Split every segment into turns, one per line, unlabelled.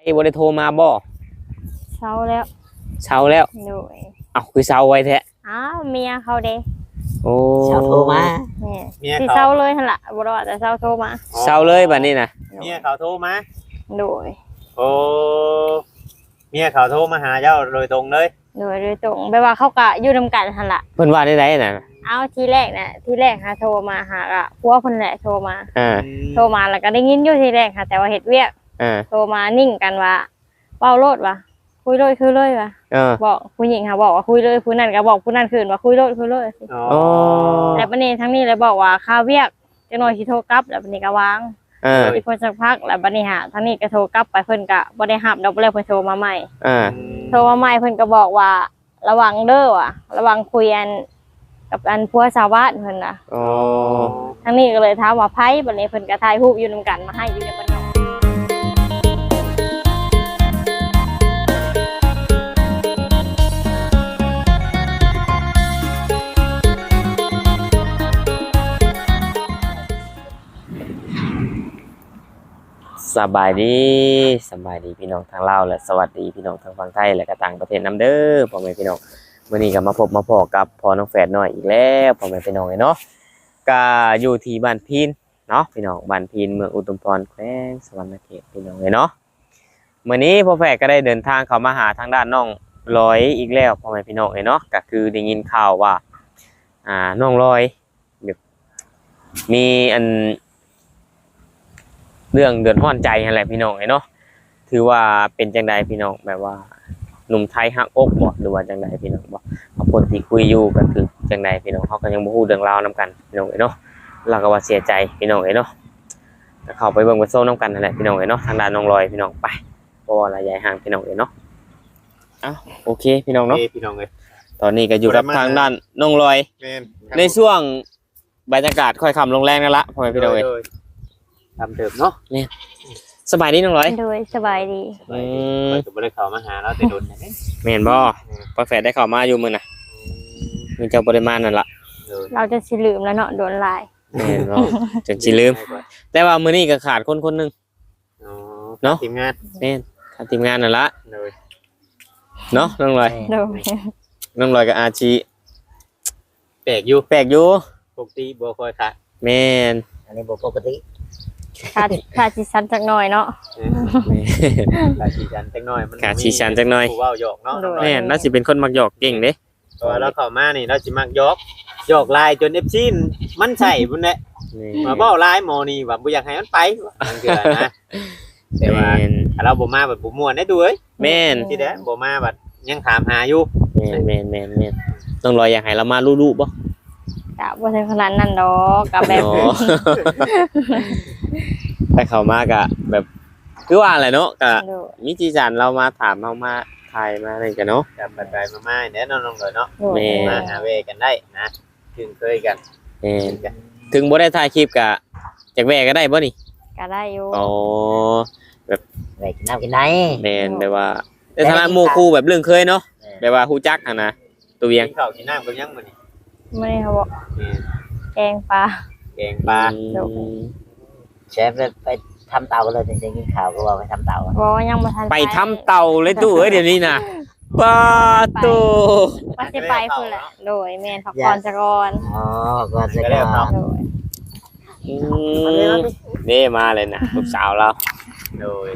บ่ได้โทรมาบ่
เช้าแล้ว
เช้าแล้ว
โดย
เอ้าคือเช้าไว้แท้
อ้าวเมียเขาเด้
โอ้
เช้าโทรมา
เนี่ยสิเช้าเลยหั่นล่ะบ่รอดแต่เช้าโทรมา
เช้าเลยบัดนี้น่ะ
เมียเขาโทรมา
โดย
โอ้เมียเขาโทรมาหาเจ้าโดยตรงเลย
โดยตรงแปลว่าเขาก็อยู่นำกันหั่นล่ะ
เพิ่นว่าได้น่ะ
เอาทีแรกหาโทรมาหาอะผัวเพิ่นแหละโทรมาโทรมาแล้วก็ได้ยินอยู่ทีแรกค่ะแต่ว่าเฮ็ดเวียกโทรมานิ่งกันว่าเว้าโลดว่ะคุยเลยคือเลยว่ะบอกผู้หญิงค่ะบอกว่าคุยเลยผู้นั้นก็บอกผู้นั้นคืนว่าคุยเลย
อ๋อ
แล้วบัดนี้ทั้งนี้เลยบอกว่าค่าเวียกจักหน่อยสิโทรกลับแล้วบัดนี้ก็วางอีกพอสักพักแล้วบัดนี้หาทั้งนี้ก็โทรกลับไปเพิ่นก็บ่ได้รับดอกเลยเพิ่นโทรมาใหม่โทรมาใหม่เพิ่นก็บอกว่าระวังเด้อว่ะระวังคุยกันกับอันผัวชาวบ้านเพิ่นน่ะ
อ๋อ
ทั้งนี้ก็เลยถามว่าไผบัดนี้เพิ่นก็ถ่ายรูปอยู่นำกันมาให้อยู่ในบ้านนอก
สบายดีพี่น้องทางลาวและสวัสดีพี่น้องทางฝั่งไทยและก็ต่างประเทศนำเด้อพ่อแม่พี่น้องมื้อนี้ก็มาพบมาพอกับพ่อน้องแฝดน้อยอีกแล้วพ่อแม่พี่น้องเนาะก็อยู่ที่บ้านพีนเนาะพี่น้องบ้านพีนเมืองอุดมพรแขวงสวรรณเขตพี่น้องเนาะมื้อนี้พ่อแฝดก็ได้เดินทางเข้ามาหาทางด้านน้องลอยอีกแล้วพ่อแม่พี่น้องเนาะก็คือได้ยินข่าวว่าน้องลอยมีอันเรื่องเดือดร้อนใจอะไรพี่น้องเนาะถือว่าเป็นจังใดพี่น้องแบบว่าหนุ่มไทยหักอกบ่หรือว่าจังใดพี่น้องบ่เอาคนที่คุยอยู่ก็คือจังใดพี่น้องเขาก็ยังบ่ฮู้เรื่องราวนำกันพี่น้องเนาะเราก็ว่าเสียใจพี่น้องเนาะเข้าไปเบิ่งไปโซ่นำกันนั่นแหละพี่น้องเนาะทางด้านน้องลอยพี่น้องไปเพราะว่าระยะห่างพี่น้องเนาะอ้าวโอเคพี่น้องเนาะ
พี่น้อง
ตอนนี้ก็อยู่กับทางด้านน้องลอยในช่วงบรรยากาศค่อยค่ำลงแรงนั่นละพ่อแม่พี่น้อง
ทำเดิมเนาะ
เนี่ยสบายดีน้องร้อย
โดยสบายดี
ก็บ่ได้เข้ามาหาเราแต่โดนนะ
แม่นบ่พอแฝดได้เข้ามาอยู่มื้อน่ะมีเจ้าบ่ได้มานั่นล่ะ
เราจะสิลืมแล้วเนาะโดนลาย
แม่นบ่จนสิลืมแต่ว่ามื้อนี้ก็ขาดคนนึง
เนาะทีมงาน
แม่นขาดทีมงานนั่นล่ะเนาะน้องร้อยน้องร้อยกับอาชี
แปลกอยู่ปกติบ่ค่อยค่ะ
แม่น
อันนี้บ่ปกติ
ขาดสิชันจักหน่อยเนาะ
ขาดสิชันจักหน่อยมัน
ขาดสิชันจักหน่อย
ผู้เว้าหยอกเนาะ
แม่นน่าสิเป็นคนมักหยอกเก่งเด้
เพราะว่าเราเข้ามานี่เราสิมักหยอกลายจน FC มันใส่พุ่นแหละมาเว้าลายหมอนี่ว่าบ่อยากให้มันไปนั่นคืออะไรนะแต่ว่าเราบ่มาแบบบ่ม่วนได้ดูเอ้ย
แม่น
สิเด้บ่มาบัดยังถามหาอยู่
แม่นต้องรออยากให้เรามาลู่ๆบ่
กะบ่ใช่ขนาดนั้นดอกกะแบบ
แต่เข้ามากะแบบคือว่าอะไรเนาะกะมีจีจันเรามาถามเฮามาถ่ายมาอะไรกันเนาะ
กับไปมาๆแน่นอนน้องเลยเนาะมาหาเวกันได้นะถึงเคยกัน
ถึงบ่ได้ถ่ายคลิปกะจักแวก็ได้บ่นี่
ก็ได้อยู่
อ๋อแบบ
แวกินน้ำกินไหน
แม่นแบบว่าในฐานะหมู่คู่แบบเรื่องเคยเนาะแบบว่าฮู้จักหั่นนะตัวเวียง
ข้าวกินน้ำกับยังมื้อนี้
มื้อนี้เขาบอกแกงปลา
เชฟไปทำเตาเลยจริงๆกินข้าวก็ว่าไปทำเตา
บ่ยังบ่ทัน
ไปทำเตาเลยตู้เอ้ยเดี๋ยวนี้น่ะป้าตู้
ว่าสิไปพุ่นแหละโดยแม่นพักผ่อนซะก่อน
อ๋อก่อนซะก่อน
โดย
นี่มาเลยนะลูกสาวเรา
โดย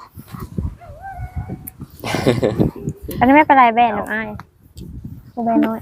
อันนี้ไม่เป็นไรแบนน้องอ้ายกูแบนน้อย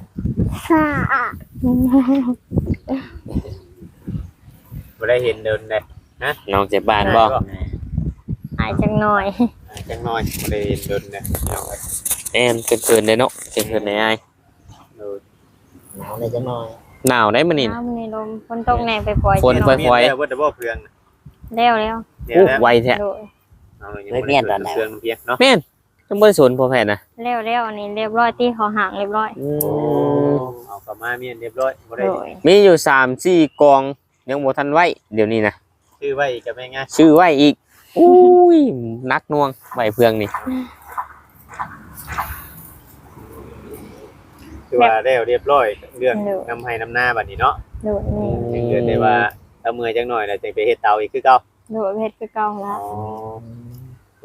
บ่ได้เห็นเดินเลยนะ
น้องเจ็บบ้านบ่
อายจังหน่อย
บ่ได้เห็นเดินเลย
แอนเกินเลยเนาะเกินในอ้าย
หนาวเลยจังหน่อย
หนาวได้มื้อนี้
มื้อนี้ลมฝนตกแน่ไปปล่อย
ฝนปล่อย
ๆว่าแต่บ่เพื่อง
แล้ว
ไวแท้
ไม่เปลี่ยนตอนไหนเพื่องเพียงเนาะ
แม่นต้องบ่สนพอแผ่นนะ
แล้วอันนี้เรียบร้อยที่เขาห่างเรียบร้อย
เอากลับมาเมียนเรียบร้อยบ่ได้
มีอยู่ 3-4 กองยังบ่ทันไว้เดี๋ยวนี้นะ
ชื่อไว้อีกก็แม่ง่าย
ชื่อไว้อีกอุ้ยนักน่วงไว้เพื่องนี่
คือว่าแล้วเรียบร้อยเรื่องนำให้นำหน้าบัดนี้เนาะเกิดได้ว่าถ้าเมื่อยจังหน่อยแล้วจะไปเฮ็ดเตาอีกคือเก่า
เฮ็ดคือเก่าแล้ว
บ่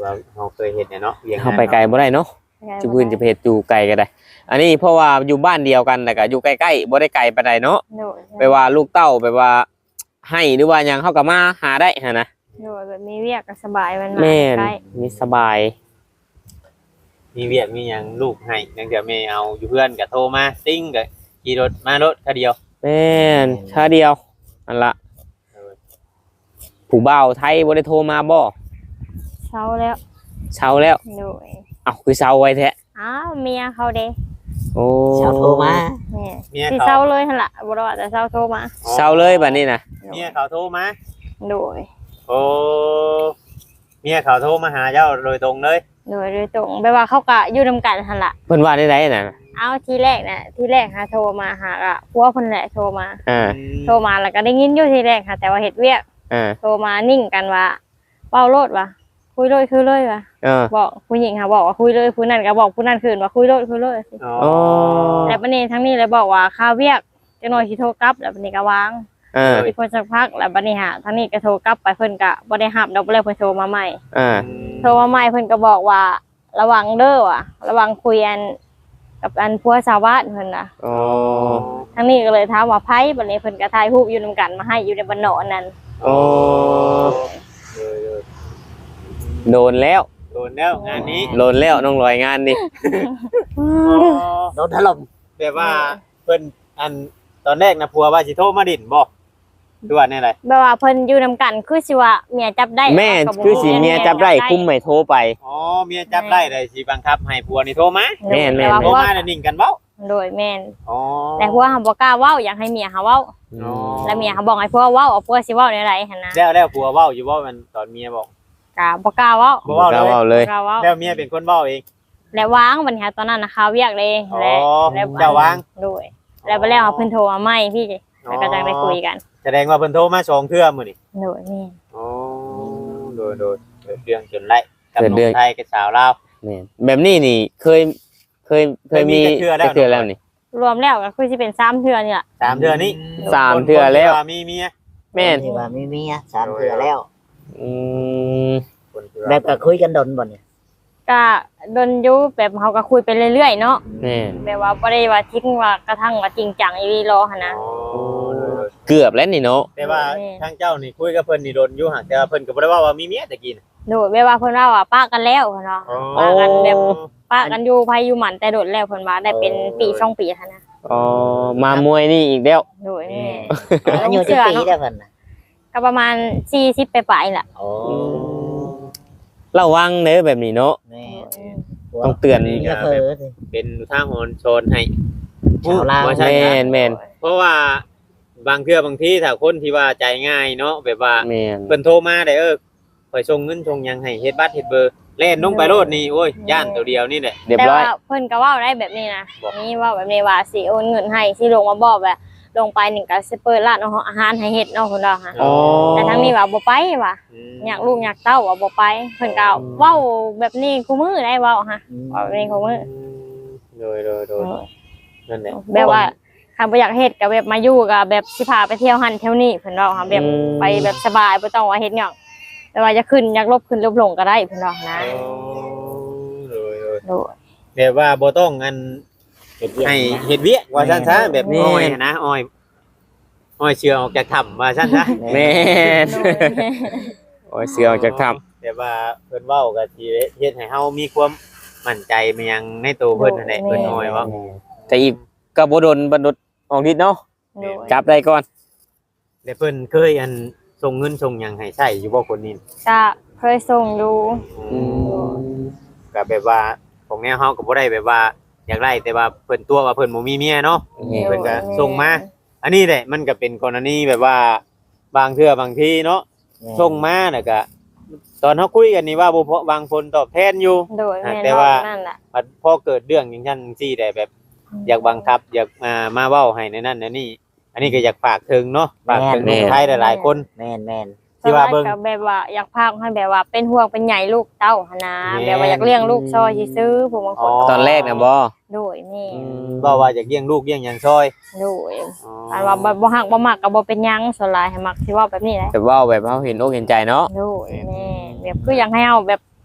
ว่าเฮาเคยเฮ็ดเนี่ยเนาะเวียง
เฮาไปไกลบ่ได้เนาะจะพื้นจะไปเฮ็ดอยู่ไกลก็ได้ อันนี้เพราะว่าอยู่บ้านเดียวกันแต่ก็อยู่ใกล้ๆบ่ได้ไกลปานใดเนาะ
โดย
ไปว่าลูกเต้าไปว่าให้หรือว่าหยังเฮาก็มาหาได้หั่นนะ
โดยแบบมีเวียกก็สบายมัน
แม่น
ใกล้
มีสบาย
มีเวียกมีหยังลูกให้จังเดี๋ยวแม่เอาอยู่เพื่อนก็โทรมาติ้งก็ขี่รถมารถคันเดียว
แม่นชาเดียวอันละผู้บ่าวไทยบ่ได้โทรมาบ่
เช้าแล้ว
เช้าแล้ว
โดย
เอ้าคือเช้าไว้แท้
อ้าวเมียเขาเด้
โอ้
ชาวโทรมา
แม่
เมีย
สิ
เขา
เช้าเลยหั่นล่ะบ่รอแต่เช้าโทรมา
เช้าเลยบัดนี้นะ
เมียเขาโทรมา
โดย
โอ้เมียเขาโทรมาหาเจ้าโดยตรงเลย
โดยตรงแบบว่าเขาก็อยู่นํกันหั่นล่ะ
เพิ่นว่าได้ไดน่ะ
เอาทีแรกหาโทรมาหาอะผัวเพิ่นแหละโทรมา
อ่า
โทรมาแล้วก็ได้ยินอยู่ทีแรกค่ะแต่ว่าเฮ็ดเวียก
อ่า
โทรมานิ่งกันว่าเว้าโลดว่ะคุยเลยคือเลยว่ะ
เออ
บอกผู้หญิงค่ะบอกว่าคุยเลยผู้นั้นก็บอกผู้นั้นคืนว่าคุยเลยสิ
อ๋อ
โอ้
แล้วบัดนี้ทั้งนี้เลยบอกว่าค่าเวียกจังหน่อยสิโทรกลับแล้วบัดนี้ก็วาง
เออ
อีกคนสักพักแล้วบัดนี้หาทั้งนี้ก็โทรกลับไปเพิ่นก็บ่ได้รับดอกบ่เลยเพิ่นโทรมาใหม่
อ่า
โทรมาใหม่เพิ่นก็บอกว่าระวังเด้อว่ะระวังคุยอันกับอันผัวชาวบ้านเพิ่นน่ะ
โอ้
ทั้งนี้ก็เลยถามว่าไผบัดนี้เพิ่นก็ถ่ายรูปอยู่นํกันมาให้อยู่ในบ้านเนาะนั่น
โอ้
เออ
โดนแล้ว
โดนแล้วงานนี้
โดนแล้วน้องลอยงานนี่
โดนถล่ม
แบบว่าเพิ่นอันตอนแรกนะผัวว่าสิโทรมาดินบ่คือว่าแน่ไร
แบบว่าเพิ่นอยู่นํกันคือสิว่าเมียจับได้
แม่คือสิเมียจับได้คุ้มไม่โทรไป
อ๋อเมียจับได้เลยสิบังคับให้ผัวนี่โทรมา
แม่น
แต่ว่า
โทร
ผัว
มาแล้วนิ่งกันเว้า
โดยแม่น
อ๋อ
แต่ผัวหาบ่กล้าเว้าอยากให้เมียหาเว้า
อ๋อ
แล้วเมียหาบอกให้ผัวเว้าเอาผัวสิเว้าในไรหั่นนะ
แล้วผัวเว้าอยู่บ่มันตอนเมียบอก
ก็บ่กล้าเว้า
บ่เว้าเลย
เว้าเลย
บ่กล้าเว้า
แล้วเมียเป็นคนเว้าเอง
แล้ววางบัดนี้ตอนนั้นน่ะข่าวเวียกเลย
อ๋อ
แล้ว
เจ้าวาง
โดยแล้วไปแล้วเพิ่นโทรมาใหม่พี่แล้วก็จังได้คุยกัน
แสดงว่าเพิ่นโทรมา2เทื่อมื้อนี่
โดยแม่น
อ๋อโดยเกิดเรื่องจนไล่กับ
เกิด
ห
เรื่
นุ่
อง
มไทยกับสาวลาว
แม่นแบบนี้นี่เคยมี
เคยมีแต่เทื่อแล้ว
แต่เทื่อแล้วนี่
รวมแล้วก็คือสิเป็น3เทื่อนี่ล่ะ
3เทื่อนี้
สามเทื่อแล้ว
คนที่ามีเมีย
แม่น
ที่ว่ามีเมียสามเทื่อแล้ว
อืม
คนที่ว่า
แบบก็คุยกันดนบ่เนี่ย
ก็ดนอยู่แบบเฮาก็คุยไปเรื่อยๆเนาะ
แม่น
แบบว่าบ่ได้ว่าทิ้งว่ากระทั่งว่าจริงจังอีหลีรอหั่นนะ
อ๋อโดย
เกือบแล้วนี่เนาะ
แต่ว่าทางเจ้านี่คุยกับเพิ่นนี่โดนอยู่ห่างแต่ว่าเพิ่นก็บ่ได้ว่ามีเมียตะกี้น่ะ
โดยแบบว่าเพิ่นว่าป้ากันแล้วเพิ่นว่า ป้ากันแบบป้ากันอยู่ไผอยู่หมันแต่โดดแล้วเพิ่นว่าได้เป็นปี2ปีหั่นนะ
อ๋อมามวยนี่อีกแล้ว
โดยแม่
อายุจักปีได้เพิ่นน่ะ
ก็ประมาณ40ปลายๆล่ะ
โอ้
ระวังเด้อแบบนี้เนาะ
แม่
ต้องเตือน
เมียเผลอสิ
เป็นอุทาหรณ์โชนให้
ชาวลาว
ว่าใช่
แม่
นะ
นแม่น
เพราะว่าบางเทื่อบางทีถ้าคนที่ว่าใจง่ายเนาะแบบว่า
แม่น
เพิ่นโทรมาได้ข่อยส่งเงินส่งหยังให้เฮ็ดบัตรเฮ็ดเบอร์เล่นลงไปโลดนี่โอ้ยย่านตัวเดียวนี่แหละ
เรียบ
แต่
ร้อ
ว่าย เพิ่นก็เว้าได้แบบนี้นะ
บอก
นี่เว้าแบบนี้ว่าสิโอนเงินให้สิลงมาบอกว่าลงไปนี่ก็สิเปิดร้านอาหารให้เฮ็ดเนาะเพิ่นว่าค่ะ
อ๋อ
แต่ทั้งนี้ว่าบ่ไปว่ะอยากลูกอยากเต้าว่าบ่ไปเพิ่นก็เว้าแบบนี้คู่มือได้เว้าฮะเว้าแบบนี้คู่มือ
โดยนั่นแหละ
แบบว่าคันบ่อยากเฮ็ดก็แบบมาอยู่ก็แบบสิพาไปเที่ยวหันเที่ยวนี่เพิ่นเว้าค่ะแบบไปแบบสบายบ่ต้องว่าเฮ็ดหยังแต่ว่าจะขึ้นอยากลบขึ้นลบลงก็ได้เพิ่นว่านะ
โดย
โดย
แบบว่าบ่ต้องอัน
เฮ็ดเวียก
ให้
นะ
เฮ็ดเวียกว่าซั่นซะแบบ
แม่
อ้อยนะอ้อยเชื่อออกจากถ้ำว่าซั่นซะ
แม่น
โดย
โอ้ยเสือออกจากถ้
แบบว่าเพิ่นเว้าก็สิเฮ็ดให้เฮามีความมั่นใจมายังในตัวเพิ่นนั่นแหละเพิ่นอ้อยเว่า
ำแต่อีกก็บ่โดนบันดดออกฤทธิ์เนาะ
โดย
จับได้ก่อน
แล้วเพิ่นเคยอันส่งเงินส่งหยังให้ใช้อยู่บ่คนนี้
ก็เคยส่งอยู่
ก็แบบว่าของแนวเฮาก็บ่ได้แบบว่าอยากได้แต่ว่าเพิ่นตัวว่าเพิ่นบ่มีเมียเนาะ เพิ่นก็ส่งมา อันนี้แหละมันก็เป็นกรณีแบบว่าบางเทื่อบางทีเนาะส่งมาน่ะก็ตอนเฮาคุยกันนี่ว่าบ่พอบางคนตอบแทนอยู่
โดยแม่น
แต่ว่า
นั่นแหละ
พอเกิดเรื่องอย่างนั้นจังซี่ได้แบบ อยากบังคับอยากมาเว้าให้ในนั้นในนี่อันนี้ก็อยากฝากถึงเนาะฝากถึงคนไทยหลายๆคน
แม่น
ที่ว่าเบิ่ง
ก็แบบว่าอยากพากให้แบบว่าเป็นห่วงเป็นใหญ่ลูกเต้าหั่นนะ
แม่
แบบว่าอยากเลี้ยงลูกซอยซื้อผู้บางคน
ตอนแรกนะบ่
โดยแม่
ว่าอยากเลี้ยงลูกเลี้ยงหยังซอย
โดยอันว่าบ่ฮักบ่มักก็บ่เป็นหยังส่วนหลายให้มักสิเว้าแบบนี้แหละ
แต่ว่าแบบเขาเห็นอกเห็นใจเนาะ
โดยแม่แบบคืออยากให้เฮาแบบ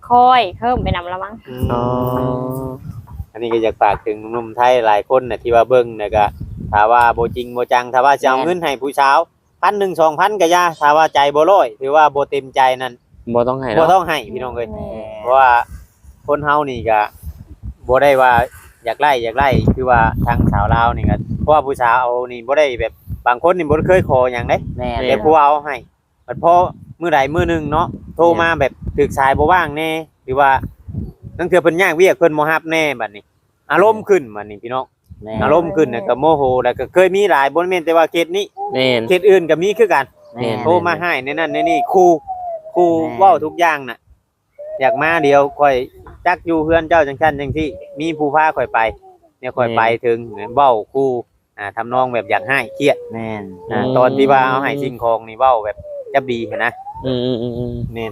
ค่อยเพิ่มไปนำละมั้ง
อ๋อ
อันนี้ก็อยากฝากถึงหนุ่มๆไทยหลายคนน่ะที่ว่าเบิ่งน่ะก็ถ้าว่าบ่จริงบ่จังถ้าว่าจะเอาเงินให้ผู้สาว1,000 2,000ก็อย่าถ้าว่าใจบ่ร้อยถือว่าบ่เต็มใจนั่น
บ่ต้องให้
บ่
เนาะ
ต้องให้พี่น้องเอ้ยเพราะว่าคนเฮานี่ก็บ่ได้ว่าอยากไล่คือว่าทางสาวลาวนี่ก็เพราะว่าผู้สาวเอานี่บ่ได้แบบบางคนนี่บ่เคยขอหยังเด้
แม่น
แต่ผู้เอาให้บัดพอมื้อใดมื้อหนึงเนาะโทรมาแบบถึกสายบ่ว่างแน่หรือว่านั่นคือเพิ่นยากเวียกเพิ่นบ่รับแน่บัดนี้ อารมณ์ขึ้นบัดนี้พี่น้อง
แม่
อารมณ์ขึ้นน่ะก็โมโหแล้วก็เคยมีหลายบ่แม่นแต่ว่าเคสนี้
แม่น
เคสอื่นก็มีคือกัน
แม่น
โทรมาให้ในนั้นในนี่ครูเว้าทุกอย่างน่ะอยากมาเดียวค่อยจักอยู่เฮือนเจ้าจังซั่นจังซี่มีผู้พาค่อยไปเนี่ยค่อยไปถึงเว้าครูทำนองแบบอยากให้เครียด
แม่น
ตอนที่ว่าเอาให้สิ่งของนี่เว้าแบบจับดีหันนะ
อืม
นี่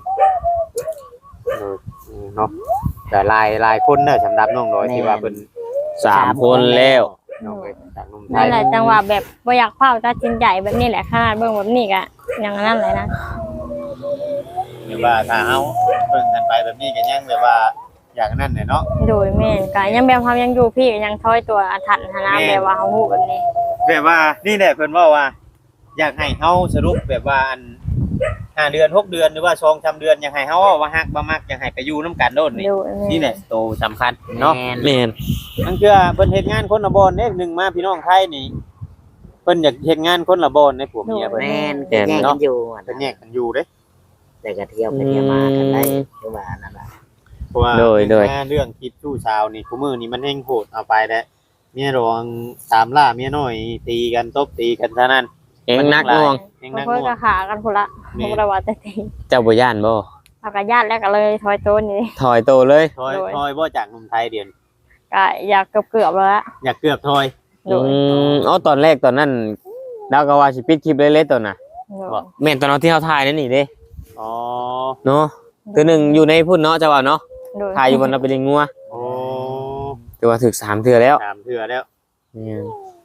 เนาะแต่หลายคนเนอะสำหรับน้องน้อยที่ว่าเป็น
3คนแล้ว
น้องเอ้ยจากหนุ่มไท
นั่
ย
นแหละจังหวะแบบบ่อยากเผาตัดสินใจแบบนี้แหละขนาดเบิ่งแบบนี้ก็อย่างนั้นเลยนะ
หรือว่าถ้าเฮาเบิ่งกันไปแบบนี้ก็ยังแบบว่าอย่างนั้นเนี่ยเนาะ
โดยแม่นก็ยังแบบเฮายังอยู่พี่ก็ยังถอยตัวอาถรรพ์หานะแบบว่าเฮาฮู้แบบนี้
แบบว่านี่แหละเพิ่นว่า อยากให้เฮาสรุปแบบว่าอัน5 เดือน6 เดือนหรือว่า2 3 เดือนอยากให้เฮาว่าฮักบ่มักอยากให้ไปอยู่นํกันโดนนี่
โดย
นี่แหละโตสำคัญเนาะ
แม่น
นั่นคือเพิ่นเฮ็ดงานคนละบ่อนเด้หนึ่งมาพี่น้องไทยนี่เพิ่นอยากเฮ็ดงานคนละบ่อนในผัวเมียเพิ่น
แม่นก็แยกกันอยู่อะ
เพิ่น
นะ
แยกกันอยู่เด้
แต่ก็เที่ยวไปเที่ยวมากันได้คือว่านั่นล่ะ
เพราะว่า
โดย
เรื่องคิดชู้สาวนี่ผู้มื้อนี่มันแฮงโหดเอาไปแล้วเมียรองตามล่าเมียน้อยตีกันตบตีกันเท่านั้น
เองนักน่วง
แฮง
เพิ่
นัก
น
น่วง
ก็ขากันพุ่นละบ่ได้ว่าแต่ตี
เจ้าบ่ย่านบ่
เอาก็ญาติแล้วก็เลยถอยตัวนี่
ถอยโตเลย
ถอยบ่จากหนุ่มไทยเดียวนี้
ก็อยากเกือบๆแล้วละ
อยากเกือบถอย
โดย
อ๋อตอนแรกตอนนั้นดาวก็ว่าสิปิดคลิปเลยๆตอนน่ะ
โดย
แม่นตอนเอาที่เฮาถ่ายนั่นนี่เด้
อ๋อ
เนาะตัวหนึงอยู่ในพุ่นเนาะเจ้าว่าเนาะ
โดย
ถ่ายอยู่บนเอาไปเลี้ยงงัว
โอ้
ถือว่าถึก3เทื่อแล้ว
ตามเถื่อแล้ว
เนี่ย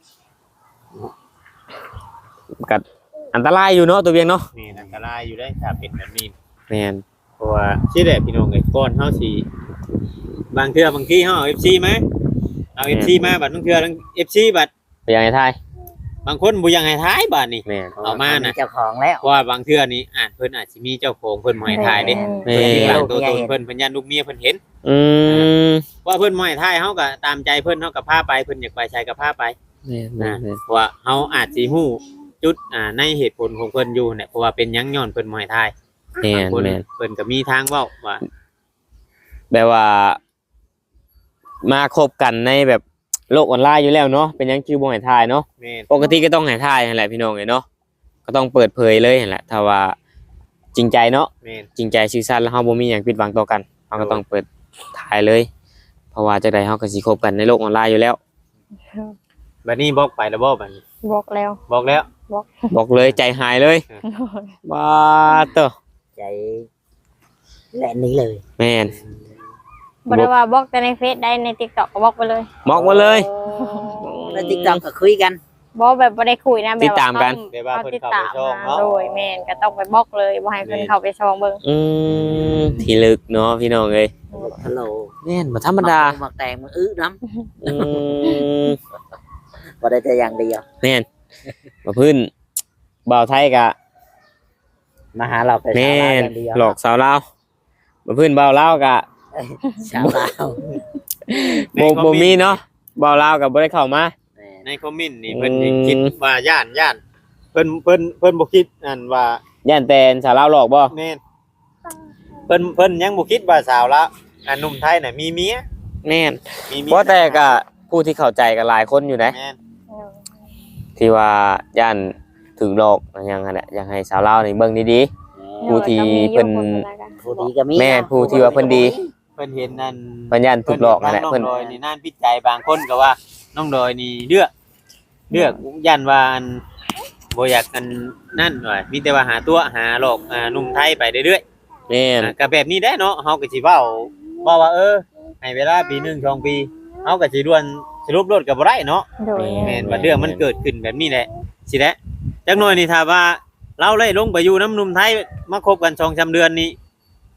กัดอันตรายอยู่เนาะตัวเวียงเนาะ
นี่อันตรายอยู่ได้ถ้าเป็นแบบนี้
แม่น
เพราะว่าชื่อแหละพี่น้องเอ้ยก่อนเฮาสิบางเทื่อบางทีเฮาเอา FC มาเอา FC มาบัดบางเทื่อทั้ง FC บัด
ไปยังไงทาย
บางคนบ่อยังให้ท้ายบัดนี่
แม่น
เอามาน่ะ
เจ้าของแล้ว
เพราะว่าบางเทื่อนี่เพิ่นอาจสิมีเจ้าของเพิ่นบ่ให้ท้ายเด้
แม่
เพิ่นมีหลัง
น
ตัวตนเพิ่นยันลูกเมียเพิ่นเห็น
อืม
ว่าเพิ่นบ่ให้ท้ายเฮาก็ตามใจเพิ่นเฮาก็พาไปเพิ่นอยากไปใช้ก็พาไป
แม่น
เพราะว่าเฮาอาจสิฮู้จุดในเหตุผลของเพิ่นอยู่เนี่ยเพราะว่าเป็นหยังย้อนเพิ่นบ่ให้ท้าย
แม่น
เพิ่น
แม่น
เพิ่นก็มีทางเว้าว่า
แบบว่า มาคบกันในแบบโลกออนไลน์อยู่แล้วเนาะเป็นหยังคิวบ่ให้ทายเนาะ
แม่น
ปกติก็ต้องให้ทายนั่นแหละพี่น้องเนาะก็ต้องเปิดเผยเลยนั่นแหละถ้าว่าจริงใจเนาะ
แม่น
จริงใจซื่อสัตย์แล้วเฮาบ่มีหยังปิดบังต่อกันเฮาก็ต้องเปิดทายเลย เพราะว่าจังไดเฮาก็สิคบกันในโลกออนไลน์อยู่แล้ว
บัดนี้บอกไปแล้วบ่บัดนี้
บอกแล้ว
บอกแล้ว
บอกเลยใจหายเลยบ้าเตอ
ใจแหละนี้เลย
แม่น
บ่ได้ว่าบอกแต่ในเฟซได้ใน TikTok ก็บอกไปเลย
บอกมาเลย
ใน TikTok ก็คุยกัน
บอกแบบบ่ได้คุยนะแบบ
ติดตามกัน
แบบว่าเพิ่นเข้าไปช่องเนาะ
โดยแม่นก็ต้องไปบอกเลยบ่ให้เพิ่นเข้าไปช่องเบิ่ง
ที่ลึกเนาะพี่น้องเอ้ย
ฮัลโหล
แม่นบ่ธรรมดา
หมักแตงมันอื้อน้
อืม
ำบ่ได้แต่อย่างเดียว
แม่นบ่พื้นบ่าวไทยกะ
มาหาเราแต่
แม่
สาวน อย่างเดียว
หลอกสาวลาวบ่พื้นบ่าวลาวกะ
สาวลาว
บ่มีเนาะบ่าวลาวก็บ่ได้เข้ามา
แม่น
ในคอมเมนต์นี่เพิ่นคิดว่าย่านเพิ่นบ่คิดอันว่า
ย่านแต่สาวลาวหลอกบ่
แม่นเพิ่นยังบ่คิดว่าสาวละอันหนุ่มไทยน่ะมีเมีย
แม่น
มีเมี
เพราะแต่ก็ผู้ที่เข้าใจก็หลายคนอยู่นะ
แม่น
ที่ว่าย่านถึงหลอกอะไรอย่างนั้นแหละอยากให้สาวลาวนี่เบิ่งดี ผู้ที่เพิ่น
ผู้ดีก็มี
แม่นผู้ที่ว่าเพิ่นดี
เพิ่นเห็นนั่น
ๆปัญญาถูกหลอกนั่นแหละ
น้
เพิ่น
องดอยนี่น่านพิจัยบางคนก็ว่าน้องดอยนี่เลือกยันว่าอันบ่อยากอันนั่นว่ามีแต่ว่าหาตัวหาหลอกหนุ่มไทยไปเรื่อย
แม่น
ๆก็แบบนี้ได้เนาะเฮาก็สิเว้าว่าให้เวลาปี1 2ปีเฮาก็สิด่วนสรุปรถก็บ่ได้เนาะ
โดย
แม่นว่าเรื่องมันเกิดขึ้นแบบนี้แหละสิแหละจักหน่อยนี่ถ้าว่าเราไล่ลงไปอยู่น้ำหนุ่มไทยมาคบกัน2-3 เดือนนี้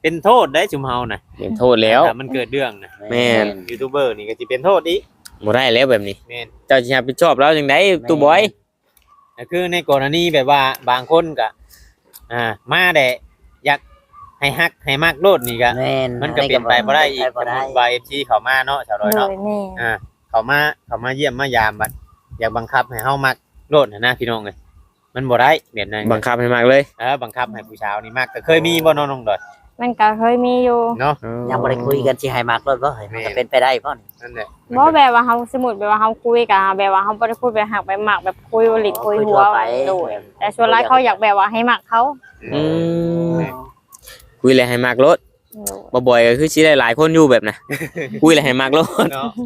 เป็นโทษได้ชุมเฮาน่ะ
เป็นโทษแล้ว
ถ้ามันเกิดเรื่องน่ะ
แม่น
ยูทูบเบอร์นี่ก็สิเป็นโทษอีก
บ่ได้แล้วแบบนี้
แม่น
เจ้าสิรับผิดชอบแล้วจังได๋ตู้บอย
ก็คือในกรณีแบบว่าบางคนก็มาได้อยากให้ฮักให้มักโลดนี่ก็
แม่น
มันก็เป็นไปบ่ได้อีก
บ่
สม
ได้
มุติว่า FC เข้ามาเนาะชาวดอย
โด
เนาะ
ยแม่
เขามาเยี่ยมมายามบัดอยากบังคับให้เฮามักโลดนะพี่น้องเอ้ยมันบ่ได้แบบนั้น
บังคับให้มากเลย
บังคับให้ผู้สาวนี่มักก็เคยมีบ่น้องๆดอย
มันก็เคยมีอยู่
เนาะ
ยังบ่ได้คุยกันสิให้มักรถบ่เฮ้ยมันก็เป็นไปได้บ่นี่
นั่นแหละ
บ่แบบว่าเฮาสมมุติแบบว่าเฮาคุยกันแบบว่าเฮาบ่ได้พูดแบบหักไปหมักแบบคุยหลิดคุยหัวโดยแต่ส่วนหลายเขาอยากแบบว่าให้หมักเขา
อืมคุยแล้วให้มากรถ
โดย
บ่บ่อยก็คือสิได้หลายคนอยู่แบบน่ะ คุยแล้วให้มากรถ
เนาะ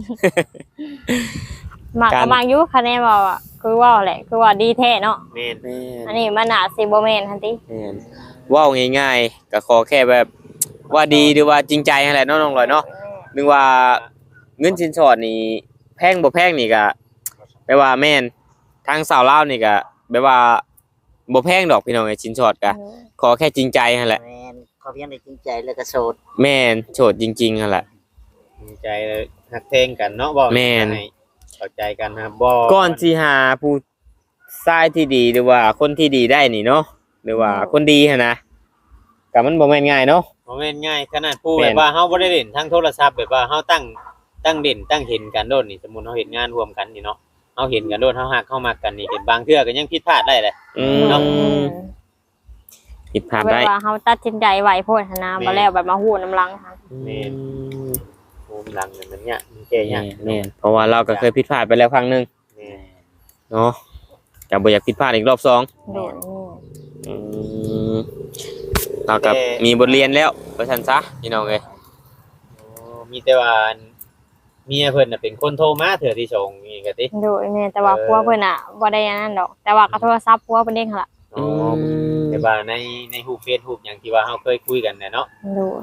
หมัก
การ
ก็หมักอยู่คะแนนว่าคือว่าแหละคือว่าดีแท้เนาะ
แม่น
อันนี้มันน่าสิบ่แม่นหั่นติ
แม่นเว้าง่ายๆก็ขอแค่แบบว่าดีหรือว่าจริงใจนั่นแหละเนาะน้องลอยเนาะนึกว่าเงินสินสอดนี่แพงบ่แพงนี่ก็แปลว่าแม่นทางสาวลาวนี่ก็แปลว่าบ่แพงดอกพี่น้องไอ้สินสอดก็ขอแค่จริงใจนั่นแหละ
แม่นเขาเพียงได้จริงใจแล้วก็โสด
แม่นโสดจริงๆนั่นแหละ
ดีใจเลยฮักเพลงกันเนาะบ่
แม่น
ให้เข้าใจกันนะครับบ่
ก่อนสิหาผู้ชายที่ดีหรือว่าคนที่ดีได้นี่เนาะหรือว่าคนดีหั่นนะก็มันบ่แม่นง่ายเนาะ
บ่แม่นง่ายขนาดผู้
แม่
แบ
น
บว่าเฮาบ่ได้เล่นทางโทรศัพท์แบบว่าเฮาตั้งเด่นตั้งเห็นกันโดดนี่สมมุติเฮาเฮ็ดงานร่วมกันนี่เนาะเฮาเห็นกันโดดเฮาฮักเฮามักกันนี่เป็นบางเทื่อก็ยังผิดพลาดได้เลย
อื
เนาะ
มผิดพลาด
แบ
ได้
บว่าเฮาตัดสินใจไว้โพดหั่นนะบ่แล้วแบบมาฮู้น้ำลังค่ะ
แม่น โอ้มหลังเนี่ยมันเนี่ยมันแก่เนี่ย
แม่นเพราะว่าเราก็เคยผิดพลาดไปแล้วครั้งหนึง
แม่น
เนาะจะบ่อยากผิดพลาดอีกรอบสอง
โดย
อืมเรากับมีบทเรียนแล้วว่าซั่นซะพี่น้องเอ้ย
โอ้มีแต่ว่าเมียเพิ่นน่ะเป็นคนโทรมาเถื่อที่ส่งนี่ก็ติ
โดยแม่แต่ว่าผัวเพิ่นน่ะบ่ได้อันนั้นดอก แต่ว่าก็โทรศัพท์ผัวเพิ่นเองหั่นล่ะ
อ๋อแต่ว่าในรูปเฟซรูปหยังที่ว่าเฮาเคยคุยกันเนี่ยเนาะ
โดย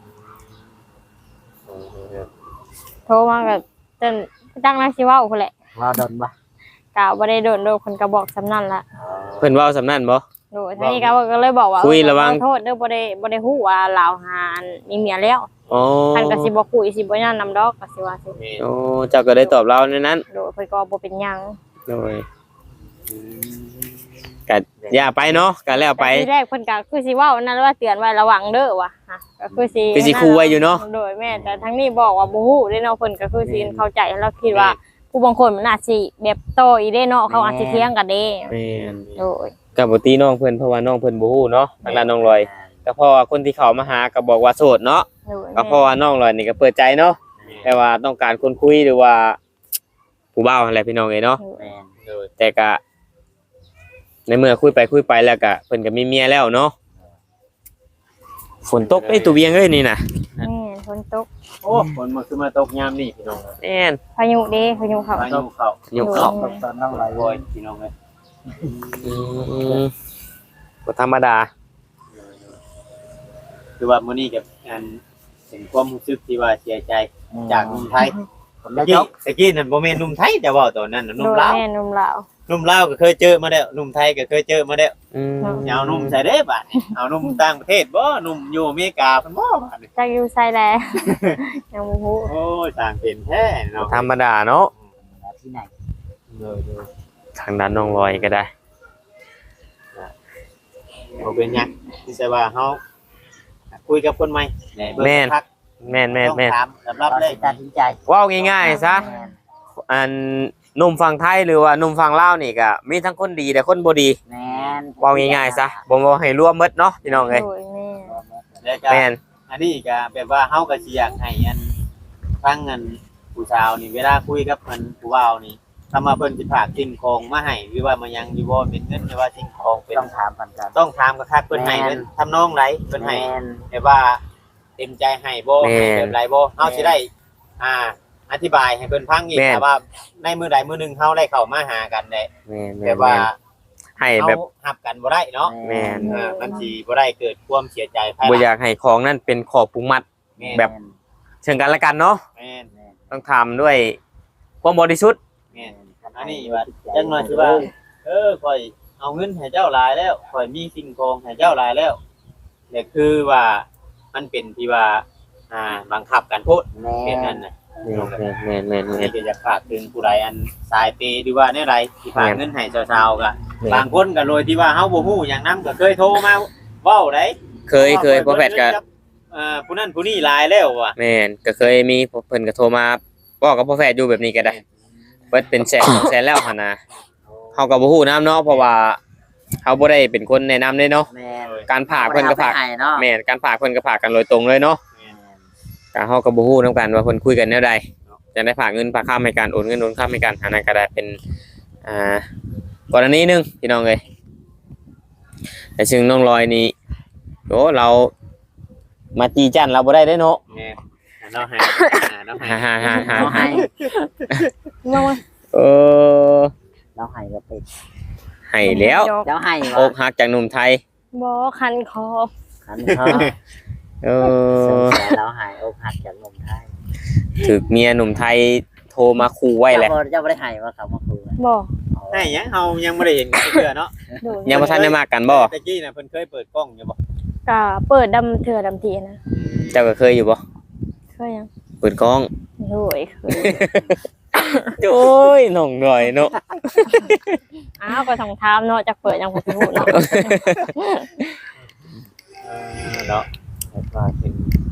เออ
โทรมาก็จนจังนั้นสิเว้าพุ่นแหละ
ว่าดนบ่
ก็บ่ได้โดนโดนเพิ่นก็บอกสำนั้นล่ะ
เพิ่นเว้าสำนั้นบ่
โดยทีนี้ก็เลยบอกว่า
คุยระวัง
ขอโทษเด้อบ่ได้ฮู้ว่าลาวหาอันมีเมียแล้ว
อ๋อ
ท่านก็สิบ่คุยสิบ่ย่านนำดอกก็สิว่าสิ
แม่น
โอ้เจ้าก็ได้ตอบเราในนั้น
โดยเพิ่นก็บ่เป็นหยัง
โดยก็อย่าไปเนาะก็แล้วไป
แต่ทีแรกเพิ่นก็คือสิเว้านั่นว่าเตือนไว้ระวังเด้อว่ะฮะก็คือสิ
คือสิคุยไว้อยู่เนาะ
โดยแม่แต่ทั้งนี้บอกว่าบ่ฮู้เด้เนาะเพิ่นก็คือสิเข้าใจแล้วคิดว่า ผู้บางคนมันอาจสิแบบโตอีเด้เนาะเขาอาจสิเถียงกันเด้
แม่น
โดย
ก็บ่ตีน้องเพิ่นเพราะว่าน้องเพิ่นบ่ฮู้เนาะทางด้านน้องลอยก็เพราะว่าคนที่เข้ามาหาก็บอกว่าโสดเนาะ
โดย
ก็เพราะว่าน้องลอยนี่ก็เปิดใจเนาะแต่ว่าต้องการคนคุยหรือว่าผู้บ่าวอะไรพี่น้องเอ้ยเนาะ
แม่น
โดย
แต่ก็ในเมื่อคุยไปแล้วก็เพิ่นก็มีเมียแล้วเนาะฝนตกไอ้ยตัวเวียงเอ้ยนี่น่ะ
แม่ฝนตก
โอ้ฝนมันคือมาตกยามนี่พี่น้อง
แม่น
พายุเด้พายุเข้า
พายุเข้าย
กเข้า
ตอนน้องไหล
โอ้ยพี่น้องเอ้ย
บ่ธรรมดา
คือว่ามื้อนี้กับอันเป็นความรู้สึกที่ว่าเสียใจจากหนุ่มไทย
ผม
ตะ
แล้ว
กี้
จบ
ตะกี้นั่นบ่แม่นหนุ่มไทยแต่ว่าตอนนั้นน่ะห
โด
นุ่ม
ย
ลาว
แม่นุ่มลาว
หนุ่มลาวก็เคยเจอมาแล้วหนุ่มไทยก็เคยเจอมาแล้ว
อืม
อย่าเอาหนุ่มใส่เด้บัดนี้เอาหนุ่มต่างประเทศบ่หนุ่มอยู่อเมริกาเพิ่นบ่บัดนี้
จักอยู่ไสแล ยังบ่ฮู้
โอ้ยต่างเป็นแท้เนาะ
ธรรมดาเนาะ
ที่ไหน
โดย
ทางด้านน้องลอยก็ได้
บ่เป็นหยังที่จะว่าเฮาคุยกับคนใหม่เบิ่ง
แม่น
พัก
แม่น
ต้องถามสำหรับ
เรา
เล
ได้
ย
ตัดสินใจ
เว้าง่ายๆซะ
แม่น
อันหนุ่มฝั่งไทยหรือว่าหนุ่มฝั่งลาวนี่ก็มีทั้งคนดีและคนบ่ดี
แม่น
เว้าง่ายๆซะบ่บ่ให้รวมหมดเนาะพี่น้องเอ้ย
โดยแม่
แล้วก็
แม่น
อันนี้ก็แบบว่าเฮาก็สิอยากให้อันฟังอันผู้สาวนี่เวลาคุยกับมันผู้บ่าวนี่ถ้ามาเพิ่นสิฝากสิ่งของมาให้หรือว่ามายังอยู่บ่เป็นเงินหรือว่าสิ่งของเป็น
ต้องถามกันกัน
ต้องถามกับคักเพิ่นให้เพิ่นทำนองไหนเพิ่นให้
แม่น
แบบว่าเต็มใจให้บ่ให้แบบไรบ่เฮาสิได้ อธิบายให้เพิ่นฟังอีกแต่ว่าในมื้อใดมื้อหนึงเฮาได้เข้ามาหากันได้
แม่น
แบบว่า
ให้
เฮา
แบบ
ฮับกันบ่ได้เนาะ
แม่น
มันสิบ่ได้เกิดความเสียใจภายห
บ่
ลัง
อยากให้ของนั่นเป็นขอบผูกมัด
แม่น
แบบ เชิงกันและกันเนาะ
แม่น
ต้องทำด้วยความบริสุทธิ์
แม่นอันนี้ว่าจังหน่อยสิว่าข่อยเอาเงินให้เจ้าหลายแล้วข่อยมีสิ่งของให้เจ้าหลายแล้วแต่คือว่ามันเป็นที่ว่าบังคับกันพูด
แม่
เป็นนั่นน่ะ
แม่น
นี่ก็จะฝากถึงผู้ใดอันสายเปย์หรือว่าแนวใดที่ฝากเงินให้ชาวๆก็บางคนก็โดยที่ว่าเฮาบ่ฮู้หยังนำก็เคยโทรมาเว้าได้
เคยพ่อแพทย์ก็
ผู้นั้นผู้นี้หลายแล้วว่ะ
แม่นก็เคยมีเพิ่นก็โทรมาบอกกับพ่อแพทย์อยู่แบบนี้ก็ได้เบิดเป็นแสน 2 แสนแล้วหั่นน่ะเฮาก็บ่ฮู้นำเนาะเพราะว่าเฮาบ่ได้เป็นคนแนะนำเด้เนาะ
แม่น
การฝากเพิ่นก็ฝาก
อไปให้เนาะ
แม่นการฝากเพิ่นก็ฝากกันโดยตรงเลยเนาะก็เฮาก็บ่ฮู้นํกันว่าเพิ่นคุยกันแนวใดจะได้ฝากเงินฝากค้ำให้กันโอนเงินโอนค้ำให้กันอันนั้นก็ได้เป็นกรณีหนึงพี่น้องเอ้ยแต่ซึ่งน้องลอยนี่โอ้เรามาจีจันเราบ่ได้เด้เนาะ
แม่เนาะให้เนาะให้
ฮ่า
เราให้
น้อง
เออ
เราให้ก็ติด
ให้แล้ว
เราให้
อ
ว่าก
หักจากหนุ่มไทย
บ่คันคอ
คันเขา
เออ
เราให้อกหักจากนมไทย
ถึกเมียหนุ่มไทยโทรมาขู่ไว้แหละ
เจ้าบ่ได้ให้ว่าเขามาคุย
บ่
ให้หยังเฮายังบ่ได้เห็นกันเทื่อเนาะ
ดู
ยังบ่ทันได้มากันบ่
ตะกี้น่ะเพิ่นเคยเปิดกล้องอยู่บ่
ก็เปิดดำเถื่อดำทีนะ
เจ้าก็เคยอยู่บ่
เคยยัง
เปิดกล้อง
โอ้ยเคย
โอ้ยน้องหน่อยเนาะ
อ้าวก็ต้องถามเนาะจักเปิดยังบ่รู้เนาะ
เนาะแล้วก็เป็น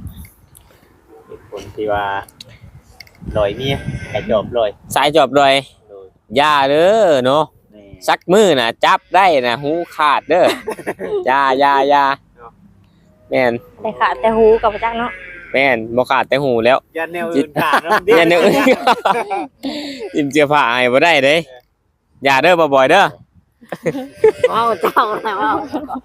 คนที่ว่าลอยเมียกระจอบลอย
สายจอบดอย
โดย
อย่าเด้อเนาะ
แม่
สักมือน่ะจับได้น่ะหูขาดเด้ออย่าแม่น
แต่ขาดแต่หูกับจักเนาะ
แม่นบ่ขาดแต่หูแล้ว
ยันแนวอื่นขาดเนาะ
อย่าเนื้ออิ่มเสื้อผ้าให้บ่ได้เด้อย่าเด้อบ่บ่อยเด้อ
ว้าวเจ้าอะไรว้าว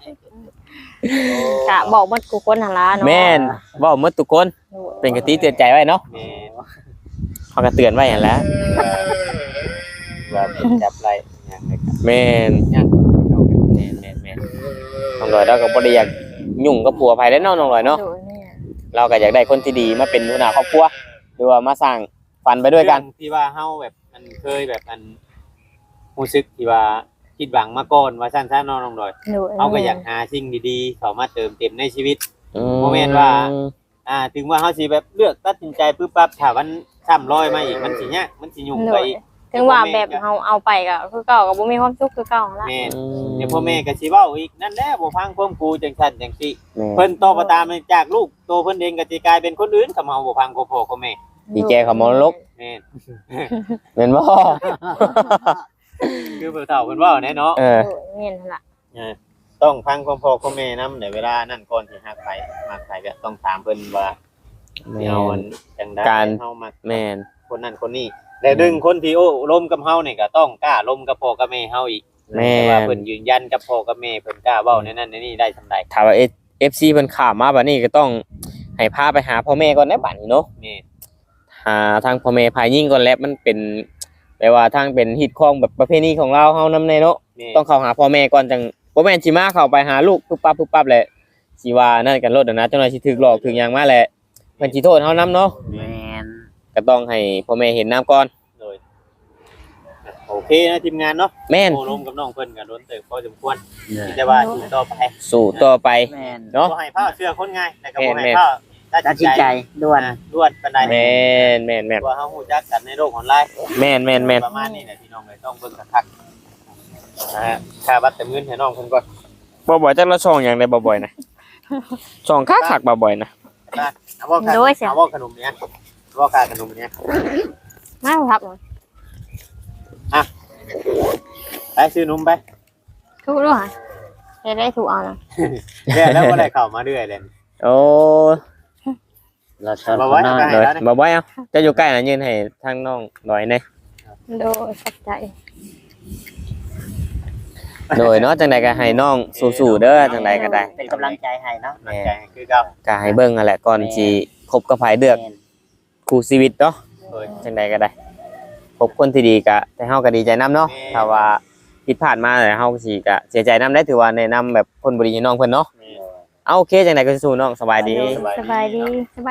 กะบอกหมดกูคนหั่นล่ะเนาะ
แม่นเว้าหมดทุกคนเป็นกะติเตือนใจไว้เนาะ
แม่น
เขาก็เตือนไว้หั่นแหล้ว
ว่าเป็นจับไรอย่างไรครับ
แม่น
ยัง
แม่นน้องลอยเราก็บ่ได้อยากยุ่งกับผัวไผได้เนาะน้องลอยเนาะ
โดยแม่
เราก็อยากได้คนที่ดีมาเป็นหัวหน้าครอบครัวหรือว่ามาสร้างฝันไปด้วยกัน
เรื่องที่ว่าเฮาแบบมันเคยแบบมันรู้สึกที่ว่าคิดหวังมาก่อนว่าสั้นๆน้องๆดอย
โดย
เฮาก็อยากหาสิ่งดีๆเข้ามาเติมเต็มในชีวิต
อื
บ่แม่นว่า ถึงว่าเฮาสิแบบเลือกตัดสินใจปึ๊บปั๊บถ้ามันซ้ำรอยมาอีกมันสิยากมันสิยุ่ง
โด
ไป
ย
อีก
ถึงว่าแบบเฮาเอาไปก็คือเก่าก็บ่มีความสุขคือเก่าหั่นล่ะ
แม่นเดี๋ยวพ่อแม่ก็สิเว้าอีกนั่นแหละบ่ฟังความครูจังซั่นจังซี่
แม่
เพิ่นโตมาตามจากลูกโตเพิ่นเองก็สิกลายเป็นคนอื่นเขามาบ่ฟังพ่อกับแม่
ดีแกเขามรลก
แม่น
แม่นบ่
คือเพิ่นเฒ่าเพิ่นเว้าแน่เนาะ
เออ
โดยแม่นหั่นล่ะ
ต้องฟังความพ่อกับแม่นำในเวลานั้นก่อนสิฮักไปมักไปก็ต้องถามเพิ่นว่า
แม่
เฮาอั
น
นจังได๋
การ
เฮามัก
แม่น
คนนั้นคนนี้แล้วดึงคนที่โอ้ลมกับเฮานี่ก็ต้องกล้าลมกับพ่อกับแม่เฮาอีก
แม่
แต่ว่าเพิ่นยืนยันกับพ่อกับแม่เพิ่นกล้าเว้าในนั้นในนี่ได้สำใด
ถ้าว่า FC เพิ่นข้ามมาบัดนี้ก็ต้องให้พาไปหาพ่อแม่ก่อนนะบัดนี้เนาะ
แม่
หาทางพ่อแม่พายยิ่งก่อนแล้วมันเป็นแปลว่าทางเป็นฮิตของแบบประเพณีของเราเฮานำในเนาะ
แม่
ต้องเข้าหาพ่อแม่ก่อนจังบ่แม่นสิมาเข้าไปหาลูกปุ๊บปั๊บแหละสิว่านั่นกันรถนะจังหน่อยสิถูกหลอกถูกหยังมาแหละเพิ่นสิโทษเฮานำเนาะ
แม่น
ก็ต้องให้พ่อแม่เห็นน้ำก่อน
เลยโอเคนะทีมงานเนาะ
แม่น
โอ้ลมกับน้องเพิ่นก็โดนเติบพอสมควรที่จะว่าอยู่ต่อไป
สู้ต่อไป
แม่น
เนาะ
บ่ให้ผ้าเสื้อคนง่ายแต่ก็บ่
แม่
ให้
น
ผ้า
ตัดสินใจด่วน
ด่วนปานใด
แม่น
ว่าเฮาฮู้จักกันในโลกออนไลน์
แม่น
ประมาณนี้แหละพี่น้องเลยต้องเบิ่งคักๆนะฮะค่าบัตรเติมเงินให้น้องเพิ่นก่อน
บ่บ่อยจักละช่องหยังได้บ่บ่อยนะช่องคักๆบ่บ่อยนะ
นะเอาว่าค่าเอาว่าขนมเนี้ยเอาว่าค่าขนมเนี้ย
มาครับหน่อย
ไปซื้อนมไป
ถูกด้วยค่ะเฮ็ดได้ถูกเอานะ
แล้วบ่ได้เข้ามาเรื่อยเลย
โอ้
เราชอบ
มาไว้
น้อย
ไป
โดยบ่บ่อยเอาจะอยู่ใกล้น่ะยืนให้ทางน้องหน่อยหน่อย
โดยสักใจ
โดยเนาะจังใดก็ให้น้องสู้ๆเด้อจังใดก็ได้
เป็นกำลังใจให้เนาะ
มั่นใจคือเก่า
ก็ให้เบิ่งนั่นแหละก่อนสิคบกับไผเลือก
แม่น
คู่ชีวิตเนาะ
โดย
จังใดก็ได้พบคนที่ดีก็แต่เฮาก็ดีใจนํเนาะ
แม่
ถ้าว่าผิดพลาดมาแล้วเฮาก็สิก็เสียใจนํได้ถือว่าแนะนำแบบคนบ่ดีให้น้องเพิ่นเนาะ
นี่
เอาโอเคจังใดก็สู้ๆน้องสบายดี
สบายดี